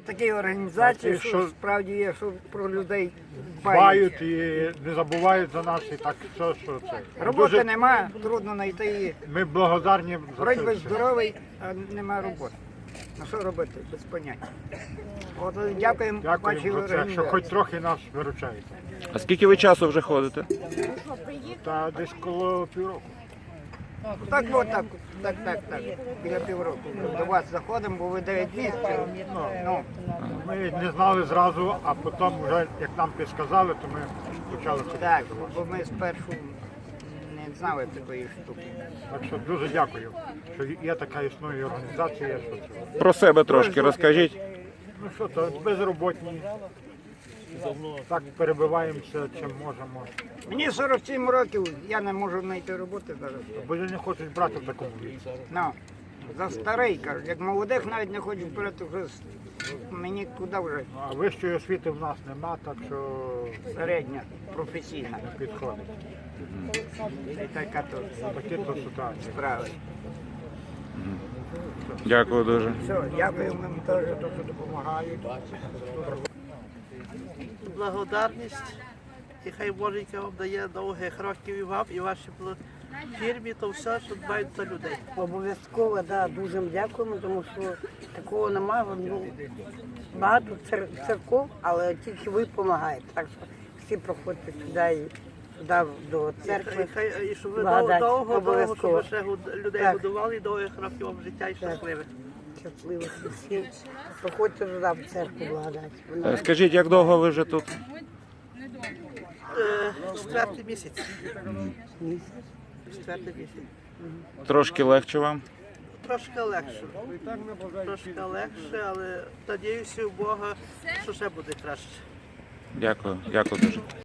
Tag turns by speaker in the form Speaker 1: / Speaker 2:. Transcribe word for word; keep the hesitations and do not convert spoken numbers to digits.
Speaker 1: такі організації,
Speaker 2: Що-
Speaker 1: що справді є, що про людей
Speaker 2: Дбають
Speaker 1: дбають.
Speaker 2: і не забувають за нас, і так все, що це.
Speaker 1: Роботи
Speaker 2: Дуже
Speaker 1: нема, трудно знайти її.
Speaker 2: Ми благодарні за
Speaker 1: Вроді
Speaker 2: це
Speaker 1: би
Speaker 2: все.
Speaker 1: здоровий, а нема роботи. Ну що робити, без поняття. От дякуємо вашій
Speaker 2: Дякуємо за це, що
Speaker 1: організації.
Speaker 2: хоч трохи нас виручаєте.
Speaker 3: А скільки ви часу вже ходите?
Speaker 2: Та десь коло півроку.
Speaker 1: Так, от так, так, так, так, біля півроку. До вас заходимо, бо ви дев'ять місяців. Ну,
Speaker 2: Ми не знали зразу, а потім вже, як нам підсказали, то ми почали ходити
Speaker 1: так,
Speaker 2: до вас.
Speaker 1: бо ми спершу не знали такої штуки.
Speaker 2: Так що дуже дякую, що є така існує організація, що це.
Speaker 3: Про себе трошки розкажіть.
Speaker 2: Ну що то, безроботні. Так перебиваємося, чим можемо.
Speaker 1: Мені сорок сім років, я не можу знайти роботи зараз.
Speaker 2: Бо не хочуть брати в такому віці.
Speaker 1: Ну, за старий, кажуть, як молодих навіть не хочуть брати, вже с- мені куди вже
Speaker 2: А вищої освіти в нас нема, так що
Speaker 1: середня, професійна.
Speaker 2: не підходить.
Speaker 1: І така то
Speaker 2: Такі то ситуації.
Speaker 1: справи.
Speaker 3: Дякую дуже.
Speaker 1: Все, дякуємо вам теж, то, що допомагають.
Speaker 4: Благодарність, і хай Боженька вам дає довгих років і вам, і вашій бл- фірмі, то все, що дбають за людей.
Speaker 5: Обов'язково, да, дуже їм дякуємо, тому що такого немає. Ну, багато цер- церков, але тільки ви допомагаєте. Так що всі проходьте сюди і сюди до
Speaker 4: І
Speaker 5: церкви.
Speaker 4: хай, хай- і щоб ви
Speaker 5: Благодать,
Speaker 4: довго, довго, щоб
Speaker 5: обов'язково.
Speaker 4: ви ще гуд- людей
Speaker 5: Так.
Speaker 4: годували, і довгих років вам життя і щасливих.
Speaker 5: Щасливих всім. Проходьте туди в церкву благодать. Вона
Speaker 3: Е, Скажіть, як довго ви вже тут?
Speaker 4: Е, Четвертий місяць.
Speaker 5: місяць.
Speaker 4: Четвертий місяць.
Speaker 3: Трошки легше вам?
Speaker 4: Трошки легше. Трошки легше, але надіюся у Бога, що ще буде краще.
Speaker 3: Дякую, дякую дуже.